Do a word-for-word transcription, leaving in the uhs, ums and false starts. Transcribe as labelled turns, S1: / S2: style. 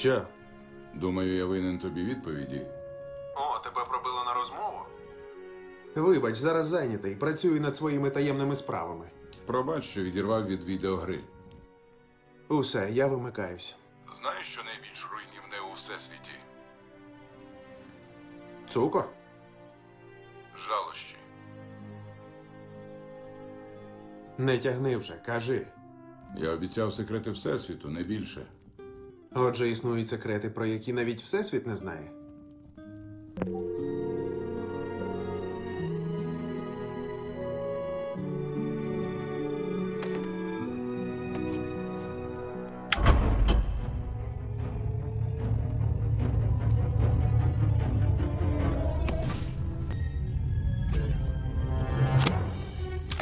S1: Що?
S2: Думаю, я винен тобі відповіді.
S3: О, тебе пробило на розмову?
S1: Вибач, зараз зайнятий. Працюю над своїми таємними справами.
S2: Пробач, що відірвав від відеогри.
S1: Усе, я вимикаюсь.
S2: Знаєш, що найбільш руйнівне у всесвіті?
S1: Цукор?
S2: Жалощі.
S1: Не тягни вже, кажи.
S2: Я обіцяв секрети всесвіту, не більше.
S1: Отже, існують секрети, про які навіть Всесвіт не знає.